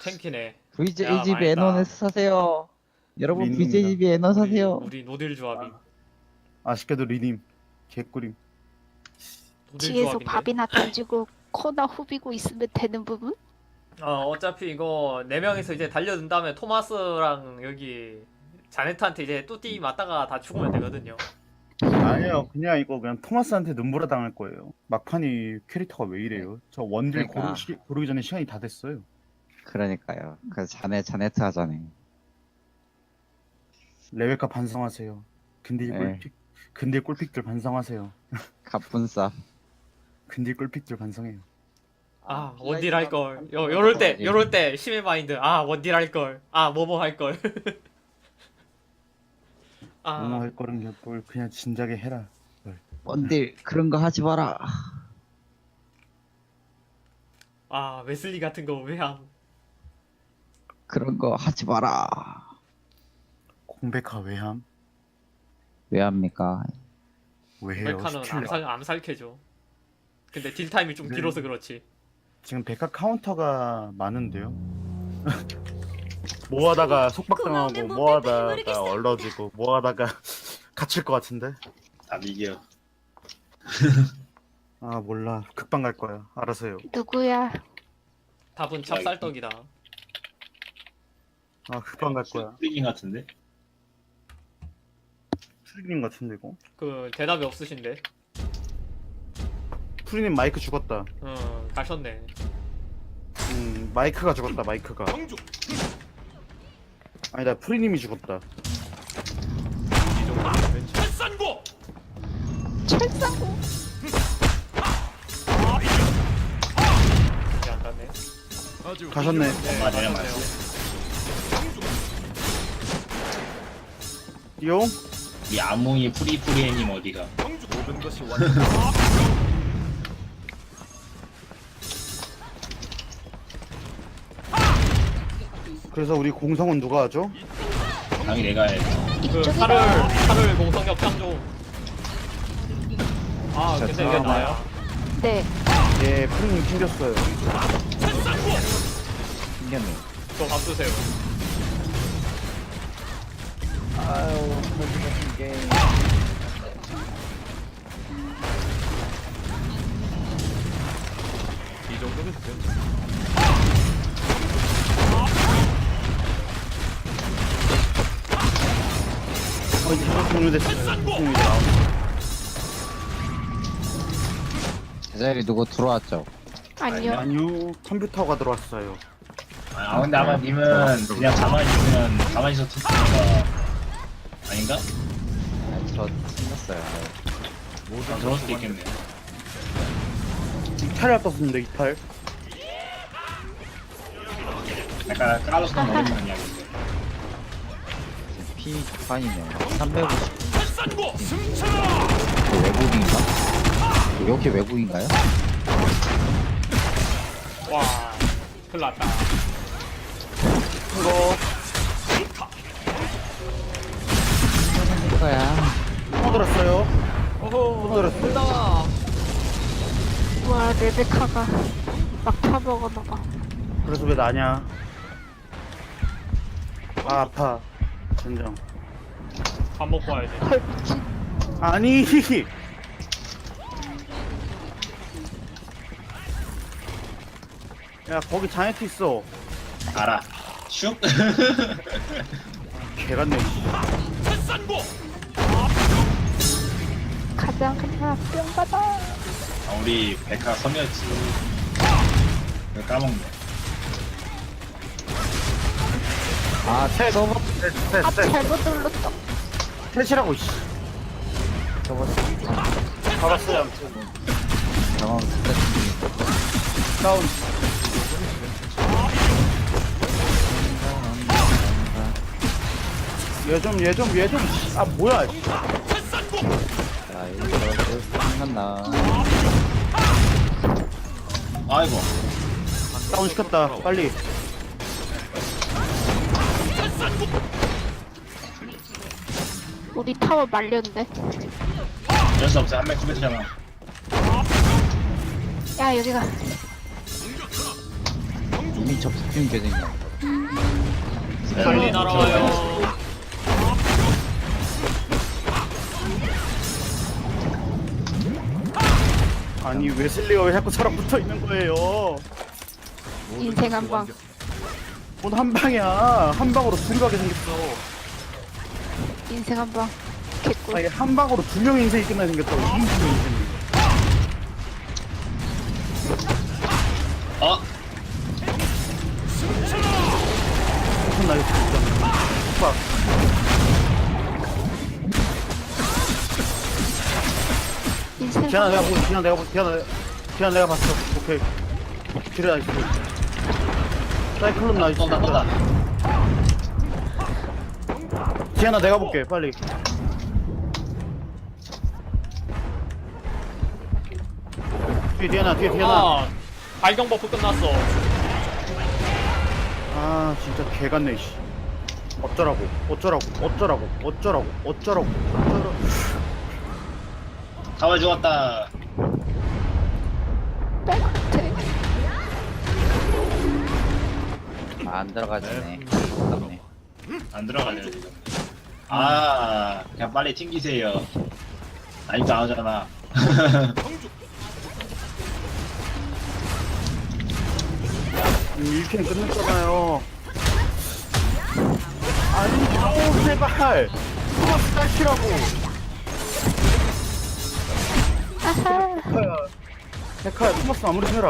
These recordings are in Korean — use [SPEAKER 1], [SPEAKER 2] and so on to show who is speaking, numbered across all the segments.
[SPEAKER 1] 탱키네.
[SPEAKER 2] VJGB
[SPEAKER 1] 망했다.
[SPEAKER 2] 에너네스 사세요. 여러분
[SPEAKER 3] 리님이다.
[SPEAKER 2] VJGB 에너 사세요.
[SPEAKER 1] 우리 노딜 조합이.
[SPEAKER 3] 아쉽게도 리님 개꿀임.
[SPEAKER 1] 노딜
[SPEAKER 4] 뒤에서
[SPEAKER 1] 조합인데.
[SPEAKER 4] 밥이나 던지고 코나 후비고 있으면 되는 부분?
[SPEAKER 1] 어차피 이거 4명이서 이제 달려든 다음에 토마스랑 여기 자네트한테 이제 뚜띠 맞다가 다 죽으면 되거든요.
[SPEAKER 3] 아니요, 그냥 이거 그냥 토마스한테 눈보라 당할 거예요. 막판이 캐릭터가 왜 이래요? 저 원딜
[SPEAKER 2] 그러니까.
[SPEAKER 3] 고르기 전에 시간이 다 됐어요.
[SPEAKER 2] 그러니까요. 그래서 자네트 하자네.
[SPEAKER 3] 레베카 반성하세요. 근딜
[SPEAKER 2] 네.
[SPEAKER 3] 꿀픽, 근딜 꿀픽들 반성하세요.
[SPEAKER 2] 갑분싸.
[SPEAKER 3] 근딜 꿀픽들 반성해요.
[SPEAKER 1] 아 원딜 할걸. 요럴 때 심해 마인드. 아 원딜 할걸. 아 뭐뭐 할걸.
[SPEAKER 3] 뭐뭐
[SPEAKER 1] 아
[SPEAKER 3] 할 거는 뭘 그냥 진작에 해라.
[SPEAKER 2] 뭔들 그런 거 하지 마라.
[SPEAKER 1] 아 웨슬리 같은 거 왜 함?
[SPEAKER 2] 그런 거 하지 마라.
[SPEAKER 3] 공백화 외함
[SPEAKER 2] 왜 합니까?
[SPEAKER 3] 왜 해요?
[SPEAKER 1] 백화는
[SPEAKER 3] 스킬러.
[SPEAKER 1] 암살캐죠. 근데 딜 타임이 좀
[SPEAKER 3] 네.
[SPEAKER 1] 길어서 그렇지.
[SPEAKER 3] 지금 백화 카운터가 많은데요. 뭐하다가 속박당하고 뭐하다가 얼러지고 뭐하다가 갇힐 것 같은데.
[SPEAKER 5] 다 이겨.
[SPEAKER 3] 아 몰라, 극방 갈 거야. 알아서 해요.
[SPEAKER 4] 누구야?
[SPEAKER 1] 답은 찹쌀떡이다.
[SPEAKER 3] 아 극방 갈 거야.
[SPEAKER 5] 프리긴 같은데?
[SPEAKER 3] 프리님 같은데 이거.
[SPEAKER 1] 그 대답이 없으신데.
[SPEAKER 3] 프리님 마이크 죽었다.
[SPEAKER 1] 가셨네.
[SPEAKER 3] 마이크가 죽었다. 마이크가. 아니다, 프리님이 죽었다.
[SPEAKER 4] 철사고.
[SPEAKER 1] 이게 안 갔네.
[SPEAKER 3] 가셨네.
[SPEAKER 5] 맞아요, 맞아요.
[SPEAKER 3] 띠용.
[SPEAKER 5] 이 아몽이 프리프리애님 어디가?
[SPEAKER 3] 그래서 우리 공성은 누가 하죠?
[SPEAKER 5] 당연히 내가 해.
[SPEAKER 1] 그
[SPEAKER 4] 이쪽이다.
[SPEAKER 1] 팔을 공성력 짱조. 아
[SPEAKER 2] 자,
[SPEAKER 1] 근데 왜
[SPEAKER 2] 들어가나요?
[SPEAKER 1] 나야?
[SPEAKER 4] 네.
[SPEAKER 3] 예, 프리님 튕겼어요.
[SPEAKER 2] 신기하네.
[SPEAKER 1] 저밥 주세요.
[SPEAKER 2] 아유, 무슨 같은 게임.
[SPEAKER 1] 이 정도면 됐네.
[SPEAKER 3] 이제 종료됐어요. 프리님이 나오네.
[SPEAKER 2] 제자리 누구 들어왔죠?
[SPEAKER 4] 아니요.
[SPEAKER 3] 아니요, 컴퓨터가 들어왔어요.
[SPEAKER 5] 아 근데 아마 님은 그냥 가만히 있으면 가만히 있어 투표가 아닌가?
[SPEAKER 2] 아니, 저 생겼어요.
[SPEAKER 5] 아, 그럴 수도 있겠네.
[SPEAKER 3] 이탈을 떴습니다. 이탈.
[SPEAKER 5] 약간 까로스는 어렵는 이야기인데.
[SPEAKER 2] 피 판이네요. 350. 외국인가? 여기 외국인가요?
[SPEAKER 1] 와 큰일 났다.
[SPEAKER 3] 이거
[SPEAKER 2] 거야.
[SPEAKER 3] 떠들었어요.
[SPEAKER 1] 오호
[SPEAKER 3] 들었어.
[SPEAKER 1] 큰일 나.
[SPEAKER 4] 와 레베카가 막 타먹어놔봐.
[SPEAKER 3] 그래서 왜 나냐? 아 아파. 진정.
[SPEAKER 1] 밥 먹고 와야지.
[SPEAKER 4] 헐 미친.
[SPEAKER 3] 아니. 야 거기 자네트 있어.
[SPEAKER 5] 알아. 슉.
[SPEAKER 3] 개같네.
[SPEAKER 4] 가자 그냥 뿅 받아.
[SPEAKER 5] 아, 우리 백화 섬이었지. 이거 까먹네.
[SPEAKER 2] 아, 서버
[SPEAKER 4] 아 잘못 눌렀어.
[SPEAKER 3] 셋이라고 씨.
[SPEAKER 2] 서버
[SPEAKER 3] 잡았어요 아무튼.
[SPEAKER 2] 경험 스태트.
[SPEAKER 3] 다운. 얘 좀. 아 뭐야?
[SPEAKER 2] 자, 이거 생각나.
[SPEAKER 5] 아이고.
[SPEAKER 3] 다운 시켰다. 빨리.
[SPEAKER 4] 우리 타워 말렸는데.
[SPEAKER 5] 어쩔 수 없어. 한명 컴퓨터잖아.
[SPEAKER 4] 야 여기가.
[SPEAKER 2] 이미 접속된 계정이야.
[SPEAKER 1] 빨리 날아와요.
[SPEAKER 3] 아니 웨슬리가 왜 자꾸 저랑 붙어 있는 거예요?
[SPEAKER 4] 인생 한 방.
[SPEAKER 3] 뭔 한 방이야? 한 방으로 둘이 가게 생겼어.
[SPEAKER 4] 인생 한 방. 개꿀.
[SPEAKER 3] 아니 한 방으로 두 명 인생이 끝나 생겼다고. 2인칭 인생이.
[SPEAKER 5] 어?
[SPEAKER 3] 무슨 날이 진짜. 오빠.
[SPEAKER 4] 인생
[SPEAKER 3] 디아나
[SPEAKER 4] 한
[SPEAKER 3] 내가
[SPEAKER 4] 방.
[SPEAKER 3] 보고 디아나 내가 봤어. 오케이. 그래 나이스. 사이클론 나이스.
[SPEAKER 5] 쏜다.
[SPEAKER 3] 디아나 내가 볼게 빨리. 뒤에 디아나 뒤에 디아나.
[SPEAKER 1] 아 발경 버프 끝났어.
[SPEAKER 3] 아 진짜 개같네 씨. 어쩌라고
[SPEAKER 5] 가만 죽었다.
[SPEAKER 4] 백태.
[SPEAKER 2] 안 들어가지네. 아깝네.
[SPEAKER 5] 안 들어가네요 지금. 아 그냥 빨리 튕기세요. 아직도 안 오잖아.
[SPEAKER 3] 일캔 끝냈잖아요. 아니 아우 제발 토마스 딸키라고.
[SPEAKER 4] 아하.
[SPEAKER 3] 백화야 토마스 마무리 좀 해라.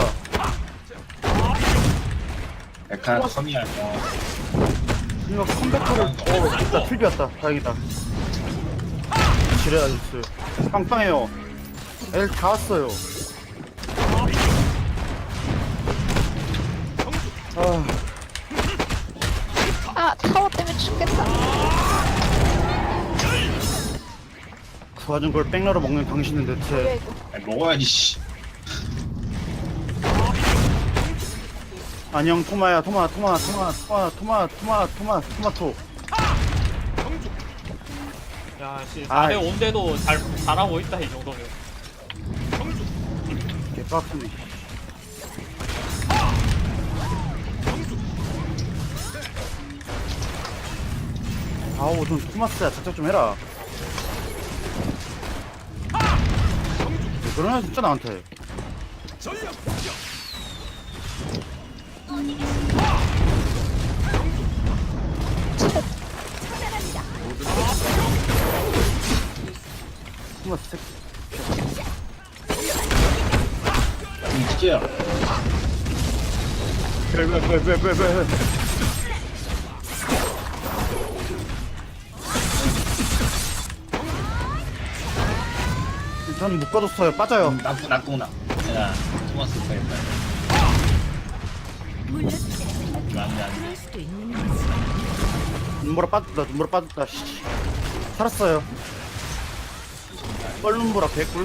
[SPEAKER 5] 백화 컴이야.
[SPEAKER 3] 이거 컴백터를 진짜 틀비 왔다. 다행이다. 지뢰 아저씨 빵빵해요. 애들 다 왔어요. 아
[SPEAKER 4] 아 타워 때문에 죽겠다.
[SPEAKER 3] 그 와중 그걸 백러로 먹는 당신은
[SPEAKER 4] 뭐야
[SPEAKER 3] 대체
[SPEAKER 4] 이거.
[SPEAKER 5] 아니, 먹어야지 씨.
[SPEAKER 3] 안녕 토마야 토마토
[SPEAKER 1] 야씨
[SPEAKER 3] 아이.
[SPEAKER 1] 4대 5인데도 잘하고 있다 이 정도면.
[SPEAKER 3] 개빡치네. 아우 좀 토마스야 작작 좀 해라. 왜 그러냐 진짜 나한테. 토마스 새끼.
[SPEAKER 5] 진짜야.
[SPEAKER 3] 왜. 저는 못 가뒀어요. 빠져요.
[SPEAKER 5] 낙동나. 야 토마스 가겠다. 안돼.
[SPEAKER 3] 눈보라 빠졌다. 씨. 살았어요. 뻘눈보라 개꿀.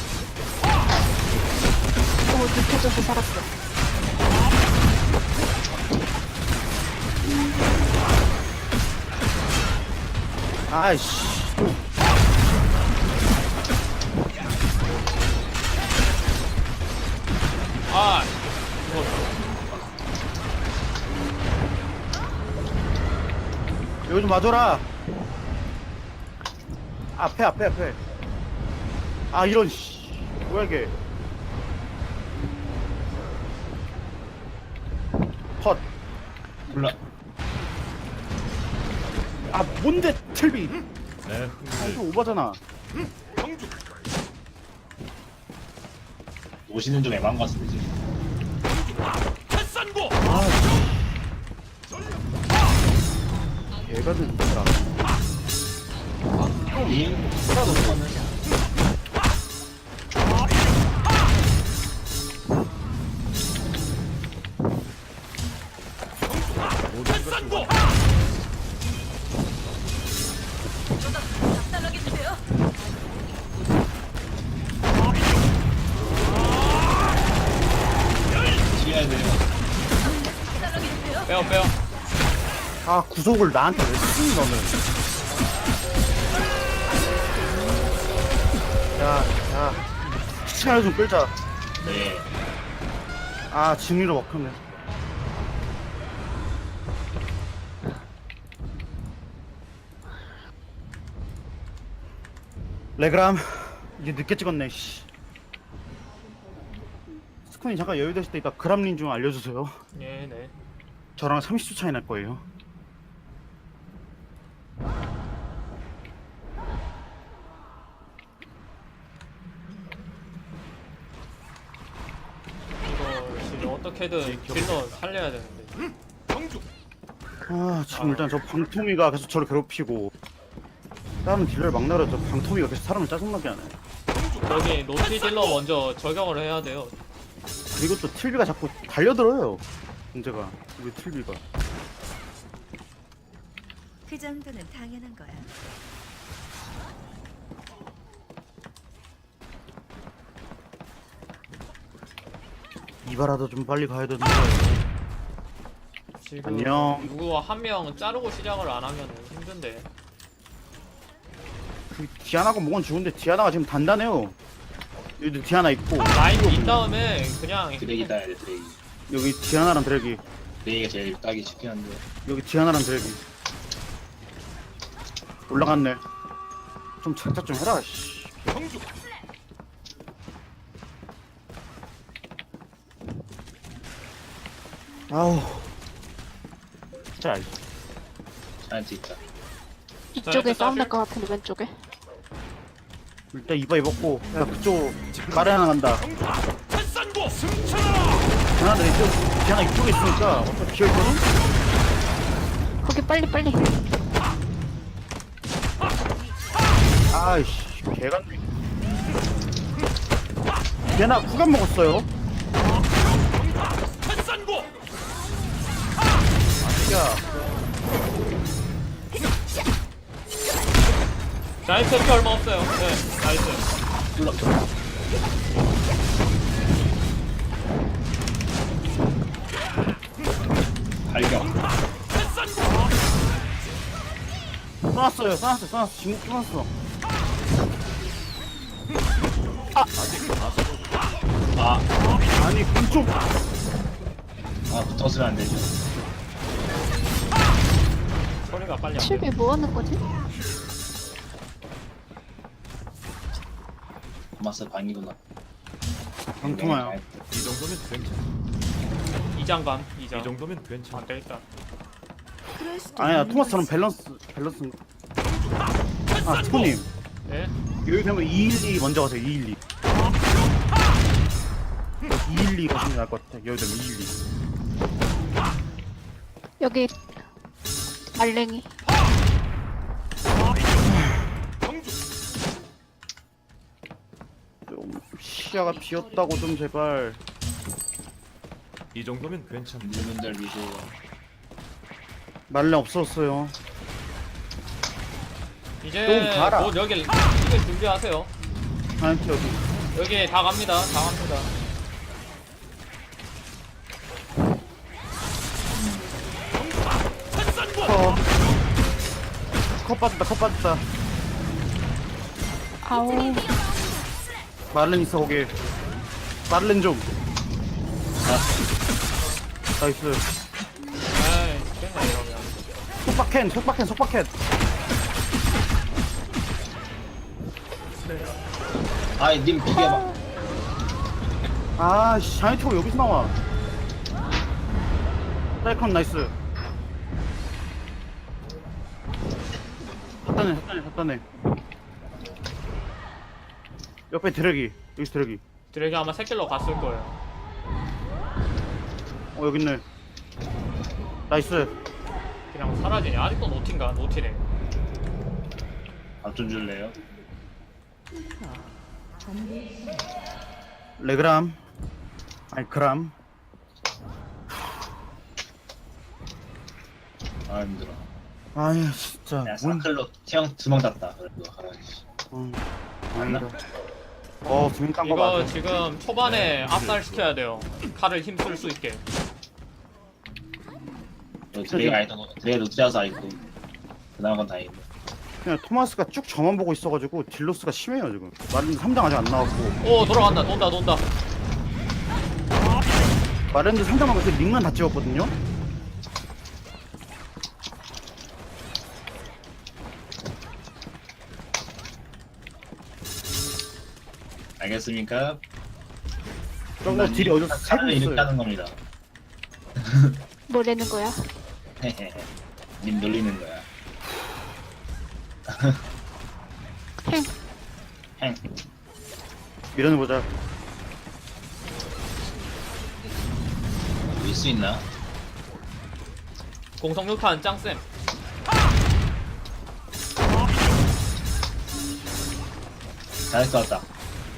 [SPEAKER 4] 눕혀져서 살았어.
[SPEAKER 3] 아이씨.
[SPEAKER 1] 아
[SPEAKER 3] 여기 좀 와줘라. 앞에. 아 이런 씨. 뭐야 이게. 컷.
[SPEAKER 5] 몰라.
[SPEAKER 3] 아 뭔데 틀비. 이거 오바잖아.
[SPEAKER 5] 오시는 좀 애만 같습니다 지금.
[SPEAKER 3] 얘가 진짜.
[SPEAKER 5] 님. 튀어야 돼요.
[SPEAKER 1] 빼요.
[SPEAKER 3] 아 구속을 나한테 왜 쓰니 너는. 야 시간을 좀 끌자.
[SPEAKER 5] 네.
[SPEAKER 3] 아 진리로 먹혔네. 레그람 이제 늦게 찍었네. 씨. 스쿤이 잠깐 여유 되실 때 이따 그람린 좀 알려주세요.
[SPEAKER 1] 예, 네.
[SPEAKER 3] 저랑 30초 차이 날 거예요.
[SPEAKER 1] 이거 지금 어떻게든 딜러 살려야 되는데.
[SPEAKER 3] 아 지금 일단 저 방토미가 계속 저를 괴롭히고 다른 딜러를 막 나려. 저 방토미가 계속 사람을 짜증나게 하네.
[SPEAKER 1] 여기 노티 딜러 먼저 적용을 해야 돼요.
[SPEAKER 3] 그리고 또 틀비가 자꾸 달려들어요. 문제가 우리 틀비가.
[SPEAKER 6] 그 정도는 당연한 거야.
[SPEAKER 3] 이바라도 좀 빨리 가야 되는데.
[SPEAKER 1] 지금
[SPEAKER 3] 안녕.
[SPEAKER 1] 누구 한 명 자르고 시작을 안 하면 힘든데.
[SPEAKER 3] 그 디아나가 뭐건 좋은데 디아나가 지금 단단해요. 여기도 디아나 있고
[SPEAKER 1] 라인 빈 다음에 그냥
[SPEAKER 5] 드래기 따야 돼 드래기.
[SPEAKER 3] 여기 디아나랑 드래기.
[SPEAKER 5] 드래기가 제일 따기 쉽긴 한데.
[SPEAKER 3] 여기 디아나랑 드래기. 올라갔네. 좀 착착 좀 해라. 씨. 아우. 자,
[SPEAKER 5] 자이언트 있다.
[SPEAKER 4] 이쪽에
[SPEAKER 1] 자,
[SPEAKER 4] 싸움
[SPEAKER 1] 사실-
[SPEAKER 4] 날 것 같은데 왼쪽에.
[SPEAKER 3] 일단 이봐 입었고 야 그쪽 말에 하나 간다. 디아나 이쪽 디아나 이쪽에 있으니까 어차피 비어있거든?
[SPEAKER 4] 거기 빨리.
[SPEAKER 3] 아이씨 개간네. 디아나 구간 먹었어요. 야
[SPEAKER 1] 자이언트 피 얼마 없어요. 네, 나이스.
[SPEAKER 5] 발경.
[SPEAKER 3] 써놨어. 지금 써놨어.
[SPEAKER 5] 아,
[SPEAKER 3] 아니 그쪽
[SPEAKER 5] 아 붙었으면 안 되죠.
[SPEAKER 1] 소리가 빨리 안 돼.
[SPEAKER 4] 칠비 뭐 하는 거지?
[SPEAKER 5] 고마스 방이구나.
[SPEAKER 3] 방통아요.
[SPEAKER 7] 이 정도면 괜찮아.
[SPEAKER 1] 이장감, 이장.
[SPEAKER 7] 이 정도면 괜찮아.
[SPEAKER 1] 안 되겠다.
[SPEAKER 6] 그럴 수도
[SPEAKER 3] 아니야
[SPEAKER 6] 있는
[SPEAKER 3] 토마스처럼
[SPEAKER 6] 거지.
[SPEAKER 3] 밸런스. 아 스코님
[SPEAKER 1] 네?
[SPEAKER 3] 여기 되면 212 먼저 가세요. 212. 212 가시는 게 나을 것 같아. 여기 되면 212.
[SPEAKER 4] 여기 말랭이.
[SPEAKER 3] 좀 시야가 비었다고 좀 제발.
[SPEAKER 7] 이 정도면 괜찮아.
[SPEAKER 5] 물문들 위주.
[SPEAKER 3] 말레 없었어요.
[SPEAKER 1] 이제
[SPEAKER 3] 좀 가라.
[SPEAKER 1] 곧 여기 이게 준비하세요.
[SPEAKER 3] 아니 여기.
[SPEAKER 1] 여기 다 갑니다. 다 갑니다.
[SPEAKER 3] 컵 빠졌다.
[SPEAKER 4] 아우.
[SPEAKER 3] 말렌 있어 거기. 말렌 좀. 나이스.
[SPEAKER 1] 에이, 됐네 이러면.
[SPEAKER 3] 속박캔.
[SPEAKER 5] 아이 님 비벼봐.
[SPEAKER 3] 아씨 샤이트가 여기서 나와. 사이클론 나이스. 샀다네. 옆에 드래기. 여기 드래기.
[SPEAKER 1] 드래기 아마 새길로 갔을 거예요.
[SPEAKER 3] 여기 있네. 나이스.
[SPEAKER 1] 그냥 사라지네. 아직도 노티인가? 노티네.
[SPEAKER 5] 밥좀 줄래요?
[SPEAKER 3] 레그람. 아니 그람.
[SPEAKER 5] 아 힘들어.
[SPEAKER 3] 아니 진짜.
[SPEAKER 5] 야 사클로 태형 두명 땄다. 그래도 아이씨.
[SPEAKER 3] 아니다. 두명 딴거
[SPEAKER 1] 이거
[SPEAKER 3] 맞아.
[SPEAKER 1] 지금 초반에 압살 시켜야 돼요. 칼을 힘쓸 수 있게.
[SPEAKER 5] 드레이가 아니던 드레이 루트라서 아니고 그나마 건 다행이네.
[SPEAKER 3] 그냥 토마스가 쭉 저만 보고 있어가지고 딜로스가 심해요 지금. 마렌드 3장 아직 안 나왔고.
[SPEAKER 1] 오 돌아간다. 논다.
[SPEAKER 3] 마렌드 3장만 가서 링만 다 찍었거든요.
[SPEAKER 5] 알겠습니까?
[SPEAKER 3] 저거 딜이 어디서 새고
[SPEAKER 5] 칼을 이렇게
[SPEAKER 3] 있어요.
[SPEAKER 5] 하는 겁니다.
[SPEAKER 4] 뭐라는 거야?
[SPEAKER 5] 님 놀리는 거야.
[SPEAKER 4] 행.
[SPEAKER 5] 행.
[SPEAKER 3] 밀어내보자.
[SPEAKER 5] 밀 수 있나?
[SPEAKER 1] 공성육탄 짱쌤.
[SPEAKER 5] 잘할 것 같다.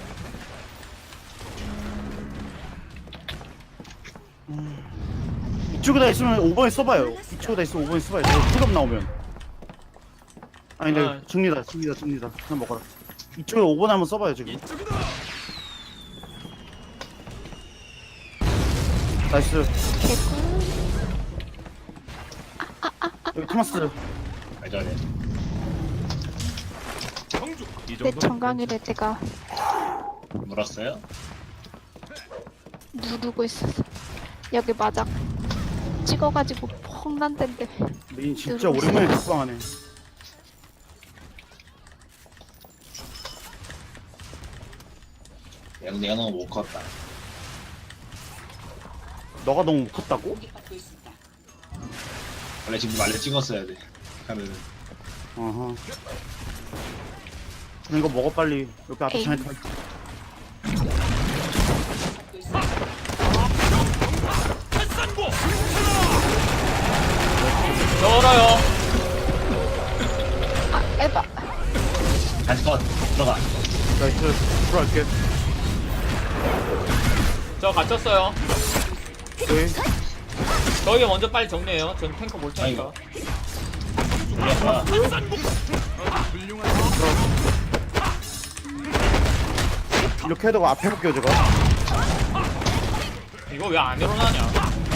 [SPEAKER 3] 이쪽에다 있으면 5번에 써봐요. 이쪽에다 있으면 5번에 써봐요. 저 풀업 나오면. 아니 근데
[SPEAKER 1] 아.
[SPEAKER 3] 정리다. 그냥 먹어라. 이쪽에 5번에 한번 써봐요 지금. 나이스.
[SPEAKER 4] 개꿀.
[SPEAKER 3] 여기 토마스.
[SPEAKER 5] 왜 저래?
[SPEAKER 7] 이
[SPEAKER 4] 내
[SPEAKER 7] 정도면
[SPEAKER 4] 정강이를 내가
[SPEAKER 5] 물었어요?
[SPEAKER 4] 누르고 있었어. 여기 맞아. 찍어가지고 펑난덴데.
[SPEAKER 3] 메인 진짜 오랜만에 국방하네.
[SPEAKER 5] 내가 너무 못 컸다.
[SPEAKER 3] 너가 너무 컸다고?
[SPEAKER 5] 원래 지금 말려 찍었어야 돼. 카드는.
[SPEAKER 3] 어허. 그럼 이거 먹어 빨리. 여기 앞에
[SPEAKER 4] 에이.
[SPEAKER 3] 장애 타.
[SPEAKER 1] 열어요.
[SPEAKER 4] 아 에바.
[SPEAKER 5] 다시 컷 들어가.
[SPEAKER 3] 나이스. 들어갈게.
[SPEAKER 1] 저 갇혔어요.
[SPEAKER 3] 오케이.
[SPEAKER 1] 저희 먼저 빨리 정리해요. 전 탱커 볼 테니까.
[SPEAKER 5] 올려봐.
[SPEAKER 3] 이렇게 해도 앞에 볼게요 제가.
[SPEAKER 1] 이거 왜 안 일어나냐?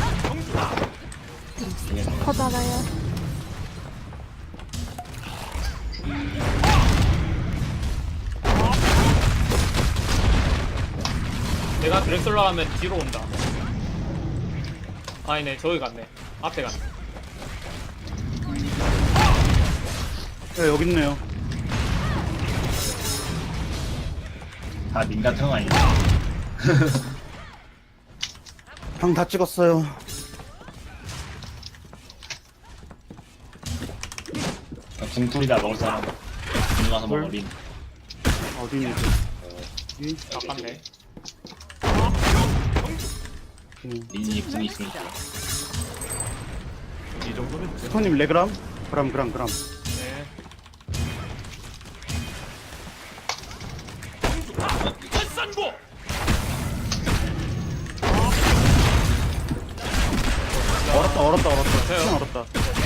[SPEAKER 4] 퍼잖아요.
[SPEAKER 1] 내가 드렉슬러 하면 뒤로 온다. 아니네, 저기 갔네. 앞에 갔네.
[SPEAKER 3] 네 여기 있네요.
[SPEAKER 5] 다 님 같은 거 아니야?
[SPEAKER 3] 방 다 찍었어요.
[SPEAKER 5] 궁풀이다 먹을 사람. 님 와서 먹어 린.
[SPEAKER 3] 어디 있니? 여기.
[SPEAKER 1] 아깝네.
[SPEAKER 5] 린이 궁이 있으니까.
[SPEAKER 7] 이 정도면 괜찮.
[SPEAKER 3] 스토님 레그람? 그람.
[SPEAKER 1] 네.
[SPEAKER 3] 얼었다.
[SPEAKER 1] 돼요.
[SPEAKER 3] 시간 얼었다.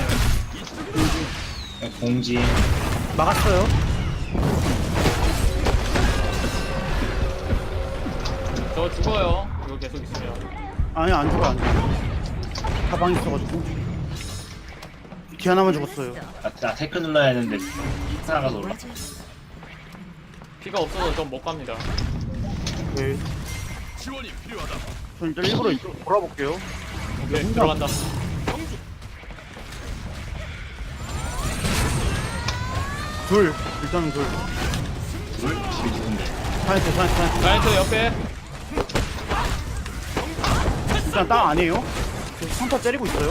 [SPEAKER 5] 공지.
[SPEAKER 3] 막았어요.
[SPEAKER 1] 저 죽어요. 이거 계속 있으면.
[SPEAKER 3] 아니 안 죽어. 가방 있어가지고. 뒤 하나만 죽었어요.
[SPEAKER 5] 나 테크 눌러야 했는데 살아가서 올라.
[SPEAKER 1] 피가 없어서 좀 못 갑니다.
[SPEAKER 3] 오케이. 전 일단 일부러 이쪽 돌아볼게요.
[SPEAKER 1] 오케이, 들어간다.
[SPEAKER 3] 일단은 둘.
[SPEAKER 5] 둘? 집이 누군데?
[SPEAKER 3] 사이트.
[SPEAKER 1] 자이언트 옆에.
[SPEAKER 3] 일단 땅 아니에요? 계속 선타 때리고 있어요.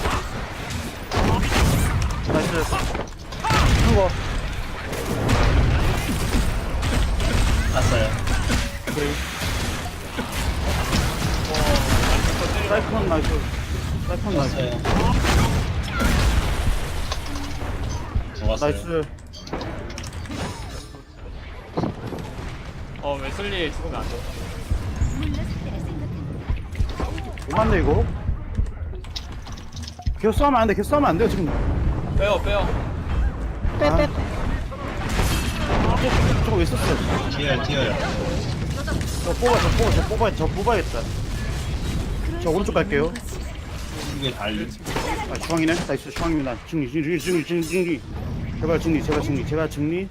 [SPEAKER 3] 나이스. 이거
[SPEAKER 5] 났어요.
[SPEAKER 3] 오케이. 사이클론 나이스.
[SPEAKER 5] 죽었어요. 죽었어요.
[SPEAKER 3] 나이스.
[SPEAKER 1] 웨슬리 죽으면 안 돼.
[SPEAKER 3] 뭐만데 이거? 계속 싸우면 안 돼. 계속 싸우면 안 돼요 지금.
[SPEAKER 1] 빼요.
[SPEAKER 4] 빼빼빼.
[SPEAKER 3] 저거 왜 썼어요?
[SPEAKER 5] 튀어요.
[SPEAKER 3] 저 뽑아야겠다. 저 오른쪽 갈게요.
[SPEAKER 5] 이게 달리.
[SPEAKER 3] 아, 중앙이네. 나이스, 중앙입니다. 승리. 제발 승리.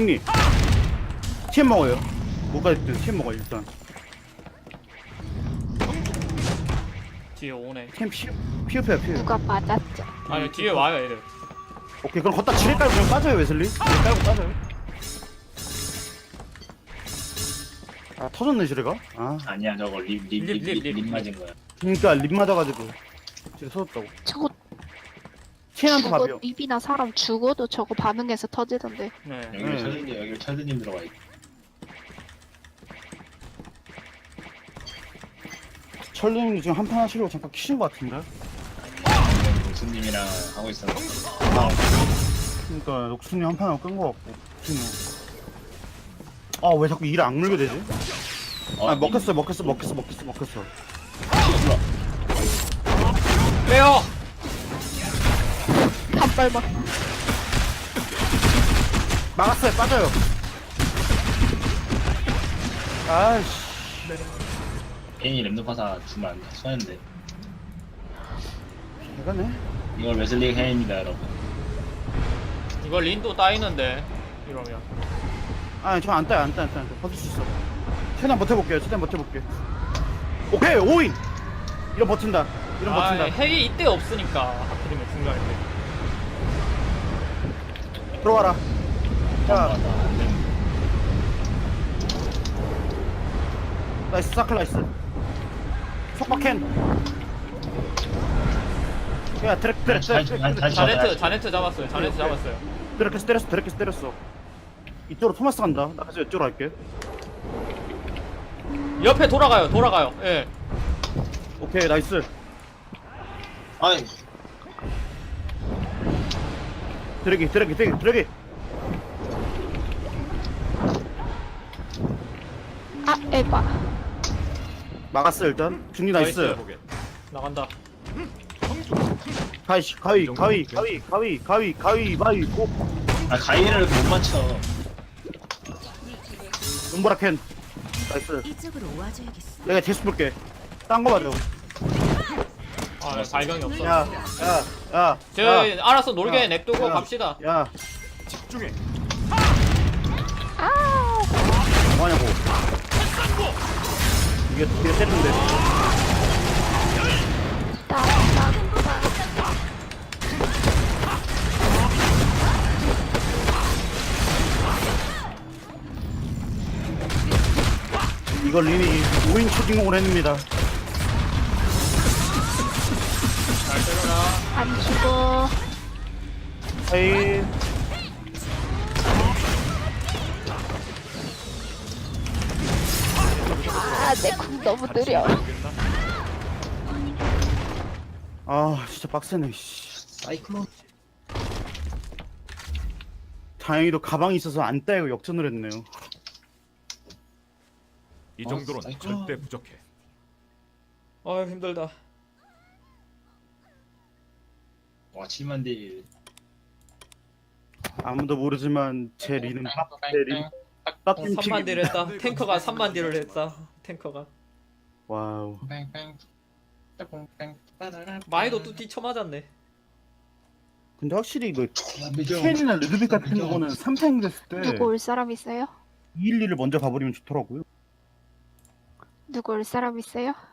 [SPEAKER 3] TM 먹어요. 뭐가 됐든 TM 먹어요, 일단.
[SPEAKER 1] 뒤에 오네.
[SPEAKER 3] TM 피업해요.
[SPEAKER 4] 누가 맞았죠?
[SPEAKER 1] 아니, 뒤에 와요, 애들.
[SPEAKER 3] 오케이, 그럼 걷다 지뢰 깔고 그냥 빠져요, 웨슬리. 지뢰 깔고 빠져요. 아 터졌네 지뢰가. 아
[SPEAKER 5] 아니야 저거 립 맞은 거야.
[SPEAKER 3] 그러니까 립 맞아가지고 지뢰 터졌다고.
[SPEAKER 4] 저거
[SPEAKER 3] 체인한테
[SPEAKER 4] 죽어
[SPEAKER 3] 밥이요.
[SPEAKER 4] 입이나 사람 죽어도 저거 반응해서 터지던데.
[SPEAKER 1] 네.
[SPEAKER 5] 여기를 철드님 여기를 철드님 들어가 있.
[SPEAKER 3] 철님이 지금 한판 하시려고 잠깐 키신 것 같은데.
[SPEAKER 5] 무슨님이랑 하고 있었는데.
[SPEAKER 3] 그러니까 녹수님 한판 하고 끈 것 같고. 아왜 자꾸 일을 악물게 되지? 아 먹혔어.
[SPEAKER 1] 빼요.
[SPEAKER 4] 한 발만.
[SPEAKER 3] 막았어요. 빠져요. 아이씨.
[SPEAKER 5] 괜히 랩노파사 주면 안 돼. 손했는데.
[SPEAKER 3] 대가네.
[SPEAKER 5] 이걸 웨슬리 해입니다 여러분.
[SPEAKER 1] 이거 린도 따이는데 이러면.
[SPEAKER 3] 아니 저 안 따요. 버틸 수 있어. 최대한 버텨볼게요. 오케이 5인. 이런 버틴다.
[SPEAKER 1] 아, 핵이 이때 없으니까 하필이면 중간에.
[SPEAKER 3] 들어와라. 자 나이스 사클 나이스. 속박캔. 야 드랙.
[SPEAKER 1] 자네트 잡았어요.
[SPEAKER 3] 드랙 때렸어. 이쪽으로 토마스 간다. 나 그래서 이쪽으로 갈게.
[SPEAKER 1] 옆에 돌아가요. 예.
[SPEAKER 3] 오케이 나이스.
[SPEAKER 5] 아니
[SPEAKER 3] 드래기.
[SPEAKER 4] 아 에바.
[SPEAKER 3] 막았어 일단. 중리 나이스.
[SPEAKER 7] 보게.
[SPEAKER 1] 나간다.
[SPEAKER 3] 가위 고.
[SPEAKER 5] 아 가위를 못 맞춰.
[SPEAKER 3] 눈보라캔. 나이스.
[SPEAKER 6] 이쪽으로 와줘야겠어.
[SPEAKER 3] 내가 제수 볼게. 딴 거 맞아.
[SPEAKER 1] 아, 발경이 없어.
[SPEAKER 3] 야.
[SPEAKER 1] 저 알아서 놀게
[SPEAKER 3] 야.
[SPEAKER 1] 냅두고
[SPEAKER 3] 야.
[SPEAKER 1] 갑시다.
[SPEAKER 3] 야.
[SPEAKER 7] 집중해.
[SPEAKER 3] 뭐하냐고. 이게 때리는데. 이걸 린이 5인 초진공을 했습니다.
[SPEAKER 1] 잘 때려라.
[SPEAKER 4] 안 죽어.
[SPEAKER 3] 하이.
[SPEAKER 4] 내 궁 너무 느려.
[SPEAKER 3] 아 진짜 빡세네. 씨.
[SPEAKER 5] 사이클론.
[SPEAKER 3] 다행히도 가방이 있어서 안 따이고 역전을 했네요.
[SPEAKER 7] 이 정도는
[SPEAKER 5] 사이클론.
[SPEAKER 7] 절대 부족해.
[SPEAKER 1] 아유 힘들다.
[SPEAKER 5] 와 7만 딜.
[SPEAKER 3] 아무도 모르지만 제 린은 린.
[SPEAKER 1] 3만 딜을 했다. 탱커가 3만 딜을 했다. 탱커가.
[SPEAKER 3] 와우.
[SPEAKER 1] 마이도 뚜띠 쳐맞았네.
[SPEAKER 3] 근데 확실히 이거 켄이나 루드빅 같은 거는 3탱 됐을 때
[SPEAKER 4] 누구 올 사람 있어요?
[SPEAKER 3] 212를 먼저 가버리면 좋더라고요.
[SPEAKER 4] 누구 올 사람 있어요?